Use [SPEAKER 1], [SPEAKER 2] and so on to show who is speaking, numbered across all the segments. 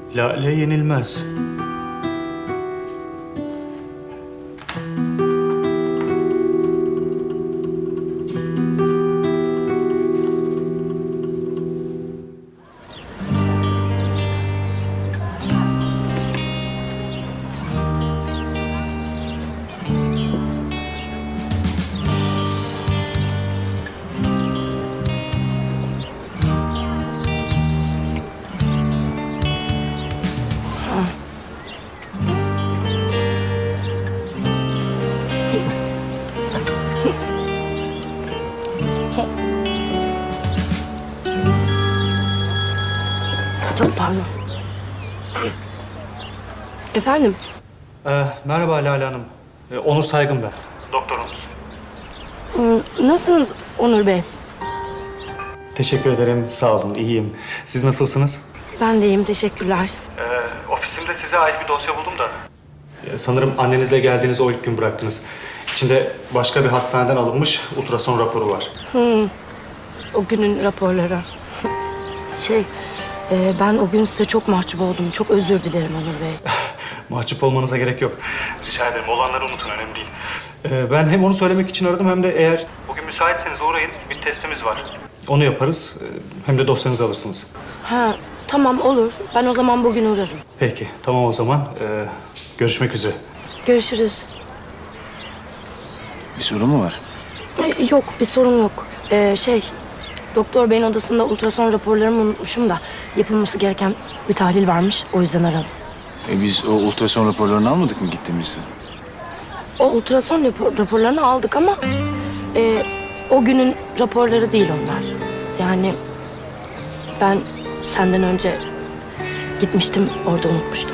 [SPEAKER 1] Lale yenilmez.
[SPEAKER 2] Çok pardon. Efendim?
[SPEAKER 1] Merhaba Lale Hanım. Onur Saygın ben. Doktorunuz.
[SPEAKER 2] Nasılsınız Onur Bey?
[SPEAKER 1] Teşekkür ederim. Sağ olun. İyiyim. Siz nasılsınız?
[SPEAKER 2] Ben de iyiyim, teşekkürler.
[SPEAKER 1] Ofisimde size ait bir dosya buldum da. Sanırım annenizle geldiğiniz o ilk gün bıraktınız. İçinde başka bir hastaneden alınmış ultrason raporu var.
[SPEAKER 2] O günün raporları. Ben o gün size çok mahcup oldum. Çok özür dilerim Onur Bey.
[SPEAKER 1] Mahcup olmanıza gerek yok. Rica ederim. Olanları unutun. Önemli değil. Ben hem onu söylemek için aradım hem de eğer bugün müsaitseniz uğrayın. Bir testimiz var. Onu yaparız. Hem de dosyanızı alırsınız.
[SPEAKER 2] Ha, tamam olur. Ben o zaman bugün uğrarım.
[SPEAKER 1] Peki. Tamam o zaman. Görüşmek üzere.
[SPEAKER 2] Görüşürüz.
[SPEAKER 3] Bir sorun mu var?
[SPEAKER 2] Yok, bir sorun yok. Doktor beyin odasında ultrason raporlarımı unutmuşum da yapılması gereken bir tahlil varmış. O yüzden aradım.
[SPEAKER 3] Biz o ultrason raporlarını almadık mı gittiğimizde?
[SPEAKER 2] O ultrason raporlarını aldık ama o günün raporları değil onlar. Yani ben senden önce gitmiştim, orada unutmuştum.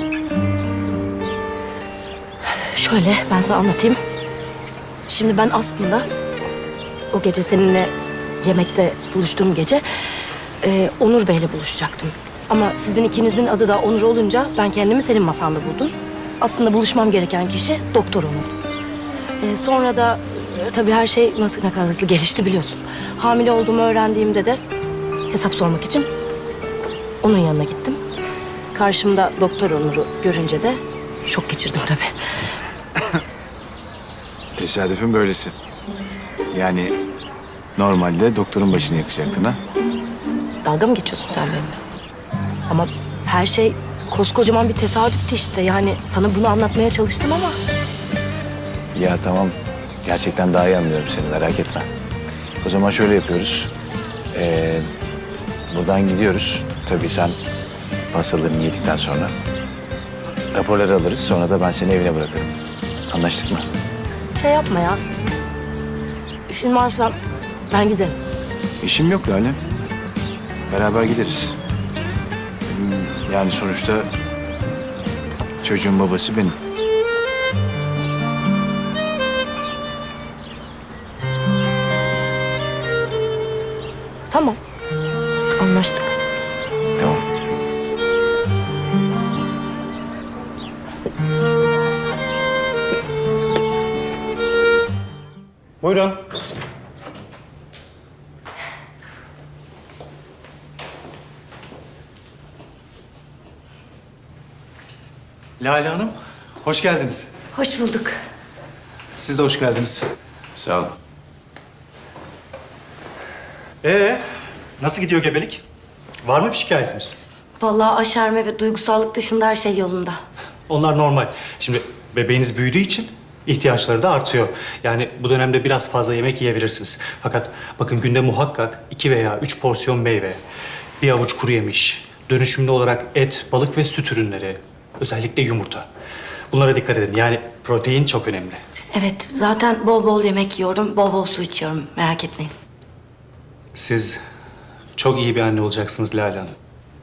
[SPEAKER 2] Şöyle ben sana anlatayım. Şimdi ben aslında o gece seninle yemekte buluştuğum gece Onur Bey'le buluşacaktım. Ama sizin ikinizin adı da Onur olunca ben kendimi senin masanda buldum. Aslında buluşmam gereken kişi Doktor Onur. Sonra da tabii her şey ne kadar hızlı gelişti biliyorsun. Hamile olduğumu öğrendiğimde de hesap sormak için onun yanına gittim. Karşımda Doktor Onur'u görünce de şok geçirdim tabii.
[SPEAKER 3] Tesadüfün böylesi. Yani normalde doktorun başını yakacaktın ha?
[SPEAKER 2] Dalga mı geçiyorsun sen benimle? Ama her şey koskocaman bir tesadüftü işte. Yani sana bunu anlatmaya çalıştım ama...
[SPEAKER 3] Ya tamam. Gerçekten daha iyi anlıyorum seni, merak etme. O zaman şöyle yapıyoruz. Buradan gidiyoruz. Tabii sen pastalarını yedikten sonra raporları alırız. Sonra da ben seni evine bırakırım. Anlaştık mı?
[SPEAKER 2] Şey yapma ya. İşin varsa ben giderim.
[SPEAKER 3] İşim yok Lale. Beraber gideriz. Yani sonuçta çocuğun babası benim.
[SPEAKER 2] Tamam. Anlaştık.
[SPEAKER 3] Tamam.
[SPEAKER 1] Buyurun. Lale Hanım, hoş geldiniz.
[SPEAKER 2] Hoş bulduk.
[SPEAKER 1] Siz de hoş geldiniz.
[SPEAKER 3] Sağ ol.
[SPEAKER 1] Nasıl gidiyor gebelik? Var mı bir şikayetiniz?
[SPEAKER 2] Vallahi aşerme ve duygusallık dışında her şey yolunda.
[SPEAKER 1] Onlar normal. Şimdi bebeğiniz büyüdüğü için ihtiyaçları da artıyor. Yani bu dönemde biraz fazla yemek yiyebilirsiniz. Fakat bakın günde muhakkak 2 veya 3 porsiyon meyve, bir avuç kuru yemiş, dönüşümlü olarak et, balık ve süt ürünleri, özellikle yumurta. Bunlara dikkat edin. Yani protein çok önemli.
[SPEAKER 2] Evet, zaten bol bol yemek yiyorum, bol bol su içiyorum. Merak etmeyin.
[SPEAKER 1] Siz çok iyi bir anne olacaksınız Lale Hanım.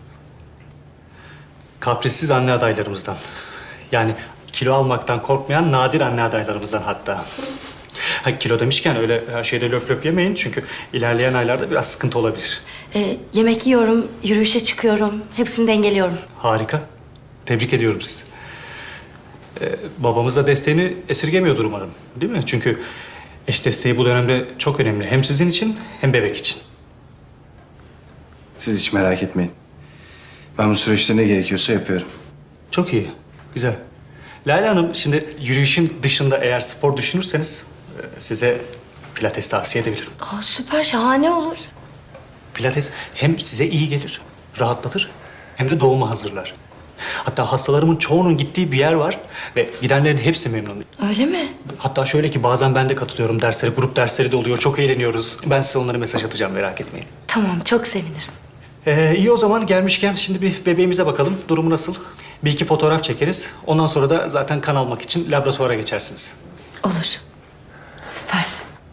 [SPEAKER 1] Kaprissiz anne adaylarımızdan. Yani kilo almaktan korkmayan nadir anne adaylarımızdan hatta. Kilo demişken öyle her şeyde löp löp yemeyin çünkü ilerleyen aylarda biraz sıkıntı olabilir.
[SPEAKER 2] Yemek yiyorum, yürüyüşe çıkıyorum. Hepsini dengeliyorum.
[SPEAKER 1] Harika. Tebrik ediyorum sizi. Babamız da desteğini esirgemiyordur umarım. Değil mi? Çünkü eş desteği bu dönemde çok önemli. Hem sizin için hem bebek için.
[SPEAKER 3] Siz hiç merak etmeyin. Ben bu süreçte ne gerekiyorsa yapıyorum.
[SPEAKER 1] Çok iyi, güzel. Lale Hanım, şimdi yürüyüşün dışında eğer spor düşünürseniz size pilates tavsiye edebilirim.
[SPEAKER 2] Aa, süper, şahane olur.
[SPEAKER 1] Pilates hem size iyi gelir, rahatlatır hem de doğuma hazırlar. Hatta hastalarımın çoğunun gittiği bir yer var ve gidenlerin hepsi memnun.
[SPEAKER 2] Öyle mi?
[SPEAKER 1] Hatta şöyle ki bazen ben de katılıyorum derslere, grup dersleri de oluyor, çok eğleniyoruz. Ben size onlara mesaj atacağım, merak etmeyin.
[SPEAKER 2] Tamam, çok sevinirim.
[SPEAKER 1] İyi o zaman gelmişken şimdi bir bebeğimize bakalım. Durumu nasıl? Bir iki fotoğraf çekeriz. Ondan sonra da zaten kan almak için laboratuvara geçersiniz.
[SPEAKER 2] Olur. Süper.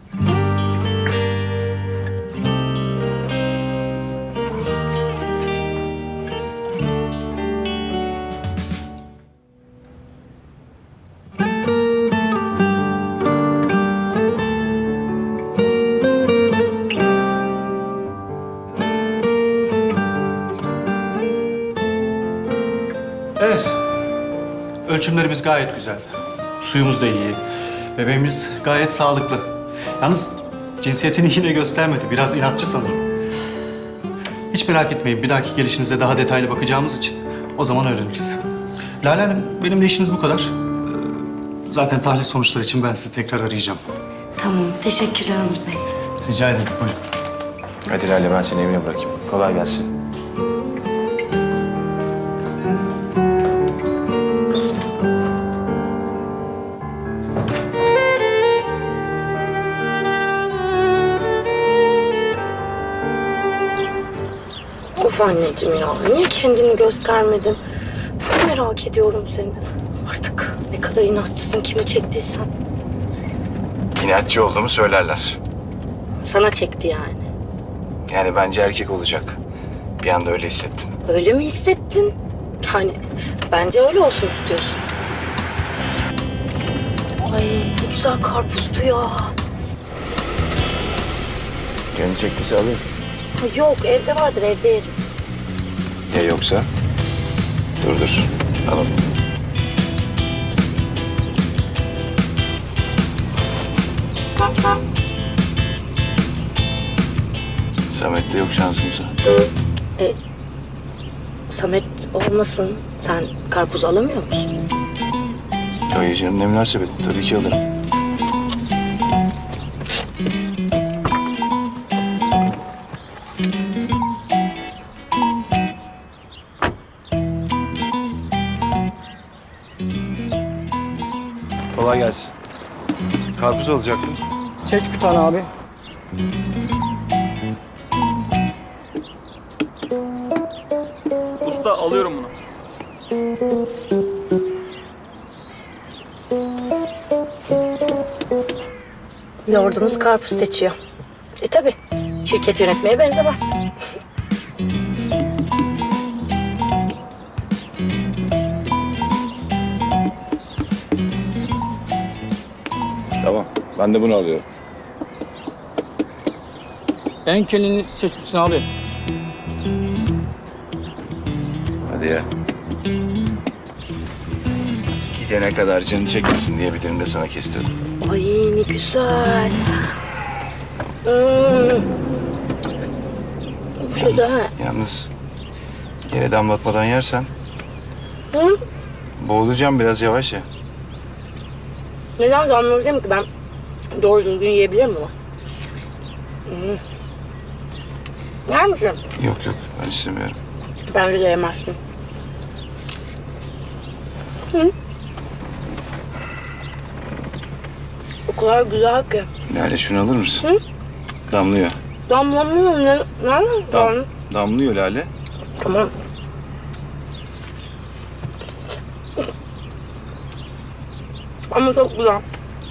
[SPEAKER 1] Evet. Ölçümlerimiz gayet güzel. Suyumuz da iyi. Bebeğimiz gayet sağlıklı. Yalnız cinsiyetini yine göstermedi. Biraz inatçı sanırım. Hiç merak etmeyin. Bir dahaki gelişinizde daha detaylı bakacağımız için o zaman öğreniriz. Lale Hanım, benim de işiniz bu kadar. Zaten tahlil sonuçları için ben sizi tekrar arayacağım.
[SPEAKER 2] Tamam, teşekkürler Onur Bey.
[SPEAKER 1] Rica ederim. Buyurun.
[SPEAKER 3] Hadi Lale, ben seni evine bırakayım. Kolay gelsin.
[SPEAKER 2] Of anneciğim ya, niye kendini göstermedin? Çok merak ediyorum seni. Artık ne kadar inatçısın, kime çektiysen.
[SPEAKER 3] İnatçı olduğumu söylerler.
[SPEAKER 2] Sana çekti yani.
[SPEAKER 3] Yani bence erkek olacak. Bir anda öyle hissettim.
[SPEAKER 2] Öyle mi hissettin? Yani bence öyle olsun istiyorsun. Ay ne güzel karpuzdu ya.
[SPEAKER 3] Gönül çektiyse alayım.
[SPEAKER 2] Ha, yok evde vardır, evde yerim.
[SPEAKER 3] Ya yoksa? Dur. Alalım. Samet'te yok şansımıza.
[SPEAKER 2] Samet olmasın. Sen karpuz alamıyor musun?
[SPEAKER 3] Hayır canım, ne münasebet. Tabii ki alırım. Kolay gelsin. Karpuz alacaktım.
[SPEAKER 4] Seç bir tane abi. Usta alıyorum bunu.
[SPEAKER 2] Lordumuz karpuz seçiyor. Tabii. Şirket yönetmeye benzemez.
[SPEAKER 3] Tamam. Ben de bunu alıyorum.
[SPEAKER 4] En kendini seçmişsin abi.
[SPEAKER 3] Hadi ya. Gidene kadar canı çekmesin diye bir dilim de sana kestirdim.
[SPEAKER 2] Ay ne güzel. Güzel.
[SPEAKER 3] Yalnız yere damlatmadan yersen
[SPEAKER 2] Hı?
[SPEAKER 3] boğulacağım, biraz yavaş ya.
[SPEAKER 2] Neden damlayacağım ki ben doğru düzgün yiyebilirim bunu? Yer misin?
[SPEAKER 3] Yok ben istemiyorum.
[SPEAKER 2] Bence de yemezsin. Hı? O kadar güzel ki.
[SPEAKER 3] Lale, şunu alır mısın?
[SPEAKER 2] Hı?
[SPEAKER 3] Damlıyor.
[SPEAKER 2] Damlamıyor ne? Nereden?
[SPEAKER 3] Damlıyor Lale.
[SPEAKER 2] Tamam. Ama çok güzel.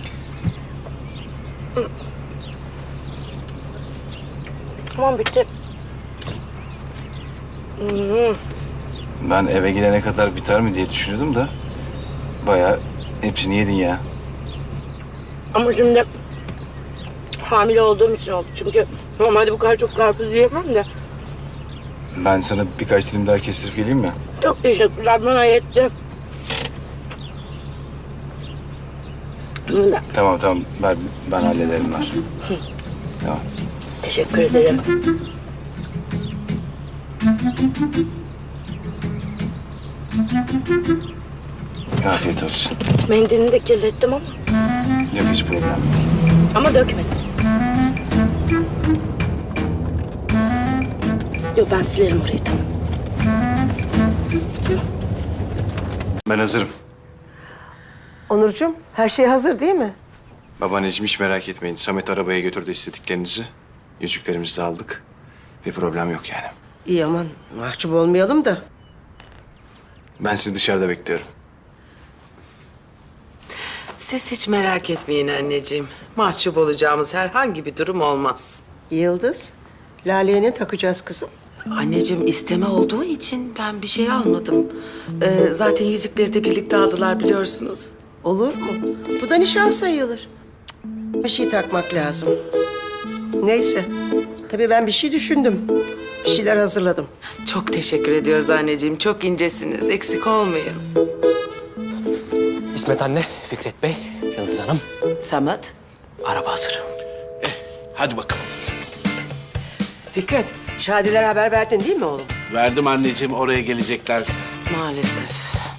[SPEAKER 2] Tamam bitti.
[SPEAKER 3] Ben eve gidene kadar biter mi diye düşünüyordum da bayağı hepsini yedin ya.
[SPEAKER 2] Ama şimdi hamile olduğum için oldu. Çünkü normalde bu kadar çok karpuz yiyemem de.
[SPEAKER 3] Ben sana birkaç dilim daha kestirip geleyim mi?
[SPEAKER 2] Çok teşekkürler, bana yetti.
[SPEAKER 3] Tamam ver, ben hallederim ver. Tamam.
[SPEAKER 2] Teşekkür ederim.
[SPEAKER 3] Afiyet olsun.
[SPEAKER 2] Mendilini de kirlettim ama.
[SPEAKER 3] Yok hiç problem yok.
[SPEAKER 2] Ama dökmedim. Yok ben silerim orayı tamam.
[SPEAKER 3] Ben hazırım.
[SPEAKER 5] Onurcuğum, her şey hazır değil mi?
[SPEAKER 3] Babaanneciğim hiç merak etmeyin. Samet arabaya götürdü istediklerinizi. Yüzüklerimizi de aldık. Bir problem yok yani.
[SPEAKER 5] İyi aman, mahcup olmayalım da.
[SPEAKER 3] Ben sizi dışarıda bekliyorum.
[SPEAKER 6] Siz hiç merak etmeyin anneciğim. Mahcup olacağımız herhangi bir durum olmaz.
[SPEAKER 5] Yıldız, Lale'ye ne takacağız kızım?
[SPEAKER 6] Anneciğim isteme olduğu için ben bir şey almadım. Zaten yüzükleri de birlikte aldılar biliyorsunuz.
[SPEAKER 5] Olur mu? Bu da nişan sayılır. Cık, bir şey takmak lazım. Neyse, tabii ben bir şey düşündüm. Bir şeyler hazırladım.
[SPEAKER 6] Çok teşekkür ediyoruz anneciğim. Çok incesiniz. Eksik olmayız.
[SPEAKER 7] İsmet anne, Fikret Bey, Yıldız Hanım.
[SPEAKER 6] Samet.
[SPEAKER 7] Araba hazır.
[SPEAKER 8] Hadi bakalım.
[SPEAKER 5] Fikret, Şadiler haber verdin değil mi oğlum?
[SPEAKER 8] Verdim anneciğim, oraya gelecekler.
[SPEAKER 6] Maalesef.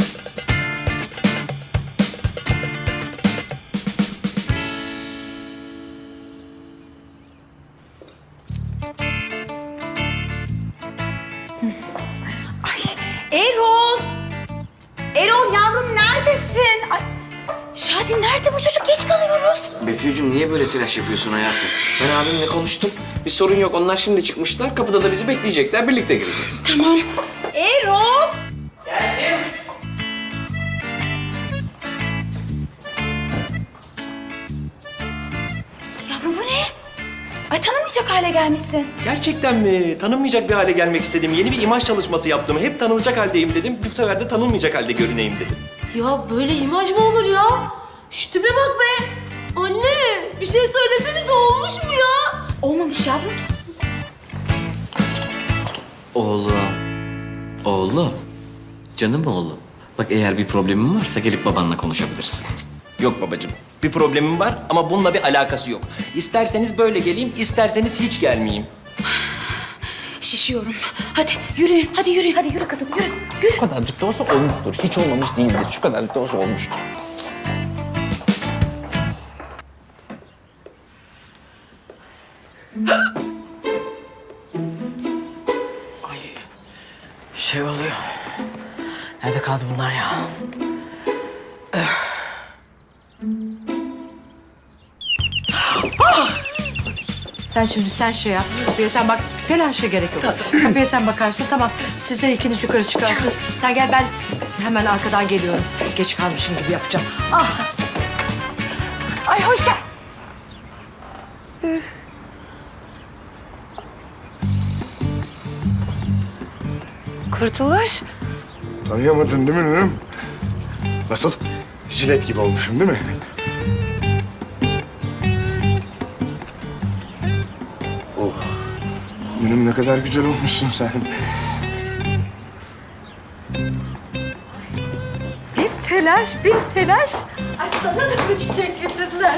[SPEAKER 9] Erol! Erol yavrum neredesin? Ay, Şadi nerede bu çocuk? Geç kalıyoruz.
[SPEAKER 7] Betül'cüm niye böyle telaş yapıyorsun hayatım? Ben abimle konuştum. Bir sorun yok. Onlar şimdi çıkmışlar. Kapıda da bizi bekleyecekler. Birlikte gireceğiz.
[SPEAKER 9] Tamam. Erol! Yavrum bu ne? Ay tanımayacak hale gelmişsin.
[SPEAKER 10] Gerçekten mi? Tanınmayacak bir hale gelmek istedim. Yeni bir imaj çalışması yaptım. Hep tanınacak haldeyim dedim. Bu sefer de tanınmayacak halde görüneyim dedim.
[SPEAKER 9] Ya böyle imaj mı olur ya? Şu tipe bak be. Anne bir şey söyleseniz olmuş mu ya? Olmamış yavrum.
[SPEAKER 7] Oğlum. Oğlum. Canım oğlum. Bak eğer bir problemin varsa gelip babanla konuşabilirsin.
[SPEAKER 10] Yok babacığım. Bir problemim var ama bununla bir alakası yok. İsterseniz böyle geleyim, isterseniz hiç gelmeyeyim.
[SPEAKER 9] Şişiyorum. Hadi yürüyün. Hadi yürüyün. Hadi yürü kızım yürü. Yürü.
[SPEAKER 7] Şu kadarcık da olsa olmuştur. Hiç olmamış değildir. Şu kadarcık da olsa olmuştur.
[SPEAKER 6] Şey oluyor. Nerede kaldı bunlar ya?
[SPEAKER 11] Sen şimdi şey yap. Kapıya sen bak. Telaşa gerek yok. Kapıya sen bakarsın tamam. Siz de ikiniz yukarı çıkarsınız. Sen gel ben hemen arkadan geliyorum. Geç kalmışım gibi yapacağım. Ah. Ay hoş gel. Kurtuluş.
[SPEAKER 8] Tanıyamadın değil mi Nurem? Nasıl? Jilet gibi olmuşum değil mi? Oh. Nurem ne kadar güzel olmuşsun sen.
[SPEAKER 11] Bir telaş. Ay sana da bir çiçek getirdiler.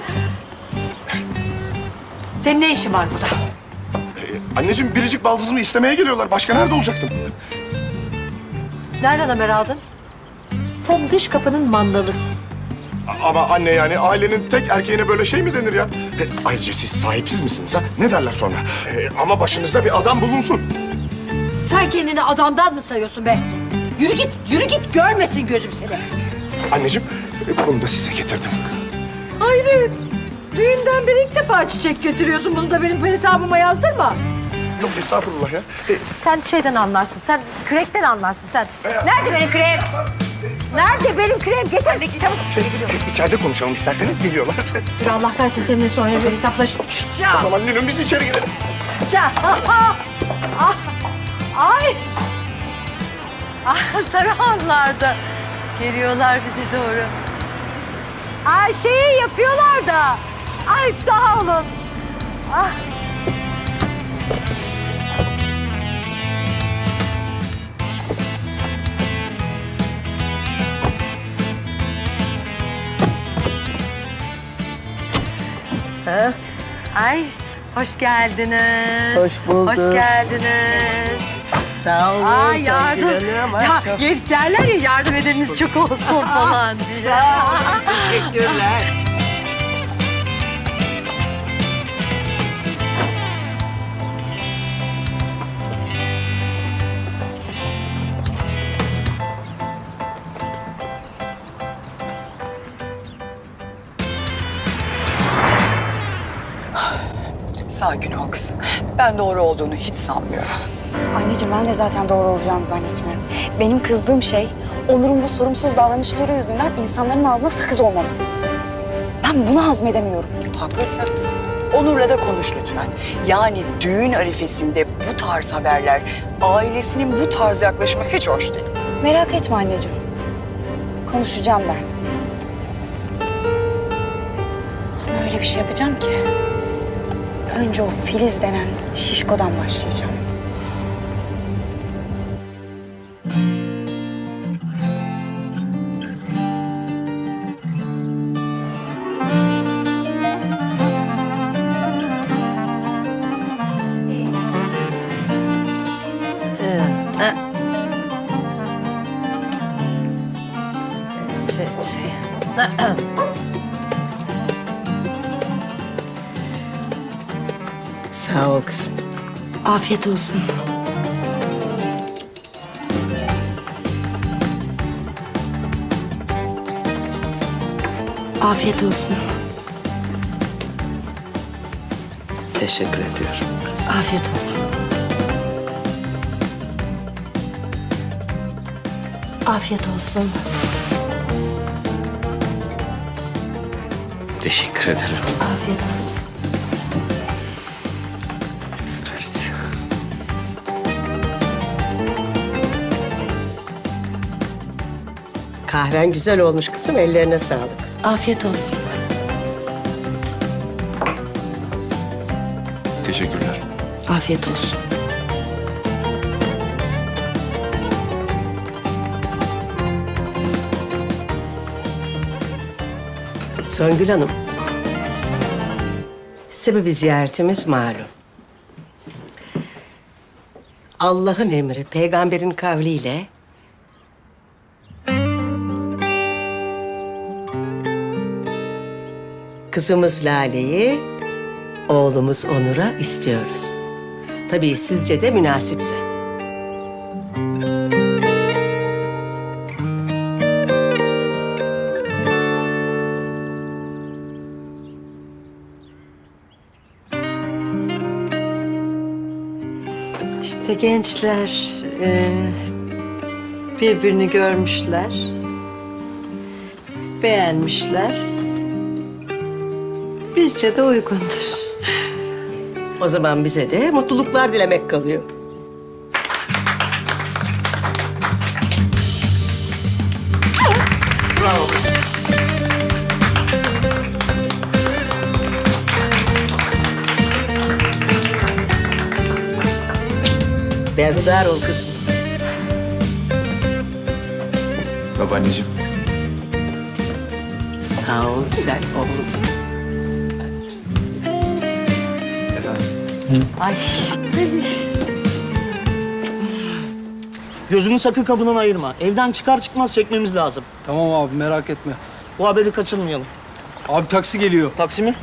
[SPEAKER 11] Senin ne işin var burada?
[SPEAKER 8] Anneciğim biricik baldızımı istemeye geliyorlar. Başka nerede olacaktım?
[SPEAKER 11] Nereden haber aldın? Sen dış kapının mandalısın.
[SPEAKER 8] Ama anne yani ailenin tek erkeğine böyle şey mi denir ya? Ayrıca siz sahipsiz misiniz ha? Ne derler sonra? Ama başınızda bir adam bulunsun.
[SPEAKER 11] Sen kendini adamdan mı sayıyorsun be? Yürü git görmesin gözüm seni.
[SPEAKER 8] Anneciğim bunu da size getirdim.
[SPEAKER 11] Hayret. Düğünden beri ilk defa çiçek götürüyorsun. Bunu da benim hesabıma yazdırma.
[SPEAKER 8] Yok estağfurullah ya.
[SPEAKER 11] Sen şeyden anlarsın. Sen kürekten anlarsın sen. Nerede benim kürem? Nerede benim kürem? Getir çabuk.
[SPEAKER 8] İçeride konuşalım isterseniz geliyorlar.
[SPEAKER 11] Ya Allah versin seninle sonra bir hesaplaş.
[SPEAKER 8] O zaman Nilüm biz içeri gidelim.
[SPEAKER 11] Ay. Sarıhanlar'da geliyorlar bize doğru. Ay şeyi yapıyorlar da. Ay sağ olun. Ah. Ay hoş geldiniz.
[SPEAKER 5] Hoş bulduk.
[SPEAKER 11] Hoş geldiniz.
[SPEAKER 5] Sağ olun
[SPEAKER 11] Ay
[SPEAKER 5] Songül
[SPEAKER 11] yardım.
[SPEAKER 5] Hanım. Ay,
[SPEAKER 11] Ya
[SPEAKER 5] çok
[SPEAKER 11] gelip derler ya yardım edeniniz çok olsun falan diye.
[SPEAKER 5] sağ olun. Teşekkürler.
[SPEAKER 12] Sakin ol kızım. Ben doğru olduğunu hiç sanmıyorum.
[SPEAKER 13] Anneciğim ben de zaten doğru olacağını zannetmiyorum. Benim kızdığım şey Onur'un bu sorumsuz davranışları yüzünden insanların ağzına sakız olmamız. Ben bunu hazmedemiyorum.
[SPEAKER 12] Haklısın. Onur'la da konuş lütfen. Yani düğün arifesinde bu tarz haberler, ailesinin bu tarz yaklaşımı hiç hoş değil.
[SPEAKER 13] Merak etme anneciğim. Konuşacağım ben. Ama öyle bir şey yapacağım ki. Önce o Filiz denen şişkodan başlayacağım.
[SPEAKER 5] Sağ ol kızım.
[SPEAKER 2] Afiyet olsun. Afiyet olsun.
[SPEAKER 7] Teşekkür ediyorum.
[SPEAKER 2] Afiyet olsun. Afiyet olsun.
[SPEAKER 7] Teşekkür ederim.
[SPEAKER 2] Afiyet olsun.
[SPEAKER 7] Evet.
[SPEAKER 5] Kahven güzel olmuş kızım. Ellerine sağlık.
[SPEAKER 2] Afiyet olsun.
[SPEAKER 8] Teşekkürler.
[SPEAKER 2] Afiyet olsun.
[SPEAKER 5] Songül Hanım. Sebebi ziyaretimiz malum. Allah'ın emri, peygamberin kavliyle kızımız Lale'yi oğlumuz Onur'a istiyoruz. Tabii sizce de münasipse.
[SPEAKER 11] İşte gençler birbirini görmüşler, beğenmişler. Bizce de uygundur.
[SPEAKER 5] O zaman bize de mutluluklar dilemek kalıyor. Berhudar ol kızım.
[SPEAKER 3] Babaanneciğim.
[SPEAKER 5] Sağ ol güzel oğlum.
[SPEAKER 11] Ay.
[SPEAKER 14] Gözünü sakın kapından ayırma. Evden çıkar çıkmaz çekmemiz lazım.
[SPEAKER 4] Tamam abi merak etme.
[SPEAKER 14] Bu haberi kaçırmayalım.
[SPEAKER 4] Abi taksi geliyor.
[SPEAKER 14] Taksi mi?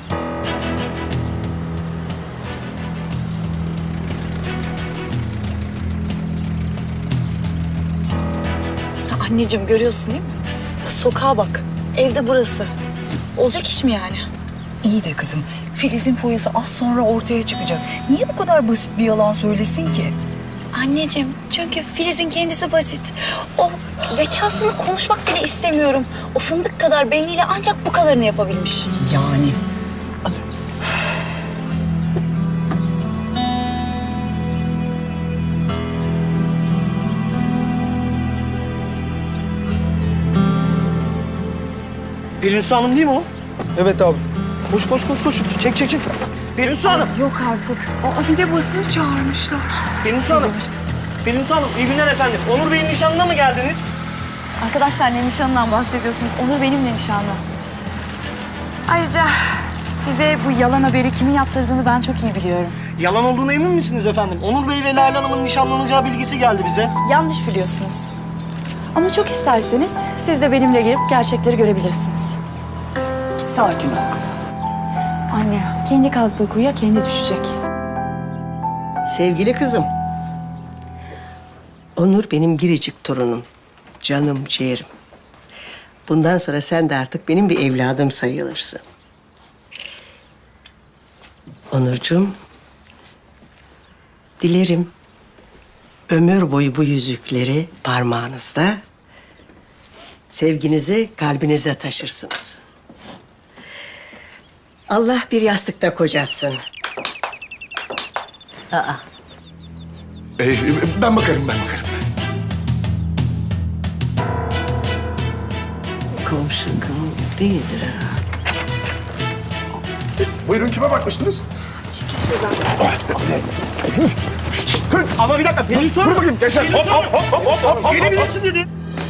[SPEAKER 13] Anneciğim görüyorsun değil mi? Sokağa bak. Evde burası. Olacak iş mi yani?
[SPEAKER 12] İyi de kızım, Filiz'in foyası az sonra ortaya çıkacak. Niye bu kadar basit bir yalan söylesin ki?
[SPEAKER 13] Anneciğim çünkü Filiz'in kendisi basit. O zekasını konuşmak bile istemiyorum. O fındık kadar beyniyle ancak bu kadarını yapabilmiş.
[SPEAKER 12] Yani. Alır mısın?
[SPEAKER 14] Pelinsu Hanım değil mi o?
[SPEAKER 4] Evet abi.
[SPEAKER 14] Koş koş koş koş. Çek çek çek. Pelinsu Hanım.
[SPEAKER 13] Yok artık.
[SPEAKER 12] Aa, bir de basını çağırmışlar.
[SPEAKER 14] Pelinsu Hanım. Pelinsu Hanım iyi günler efendim. Onur Bey'in nişanına mı geldiniz?
[SPEAKER 13] Arkadaşlar ne nişanından bahsediyorsunuz? Onur benimle nişanlı. Ayrıca Size bu yalan haberi kimin yaptırdığını ben çok iyi biliyorum.
[SPEAKER 14] Yalan olduğuna emin misiniz efendim? Onur Bey ve Lale Hanım'ın nişanlanacağı bilgisi geldi bize.
[SPEAKER 13] Yanlış biliyorsunuz. Ama çok isterseniz siz de benimle gelip gerçekleri görebilirsiniz.
[SPEAKER 12] Sakin ol kızım.
[SPEAKER 13] Anne, kendi kazdığı kuyuya kendi düşecek.
[SPEAKER 5] Sevgili kızım. Onur benim biricik torunum. Canım, ciğerim. Bundan sonra sen de artık benim bir evladım sayılırsın. Onurcuğum, dilerim ömür boyu bu yüzükleri parmağınızda, sevginizi kalbinize taşırsınız. Allah bir yastıkta kocatsın.
[SPEAKER 8] Ben bakarım.
[SPEAKER 5] Komşu değildir herhalde.
[SPEAKER 8] Buyurun, kime bakmıştınız?
[SPEAKER 14] Ama bir dakika Pelin
[SPEAKER 8] Dur bakayım gençler. Hop.
[SPEAKER 14] gelebilirsin dedi.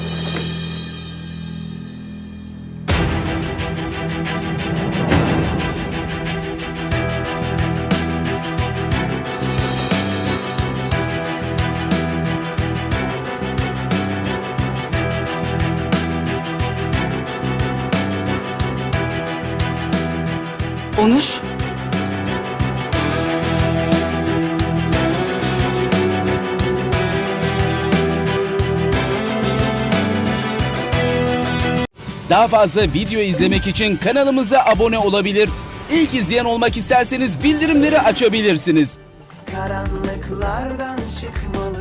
[SPEAKER 13] Onur.
[SPEAKER 15] Daha fazla video izlemek için kanalımıza abone olabilir. İlk izleyen olmak isterseniz bildirimleri açabilirsiniz.
[SPEAKER 16] Karanlıklardan çıkmalı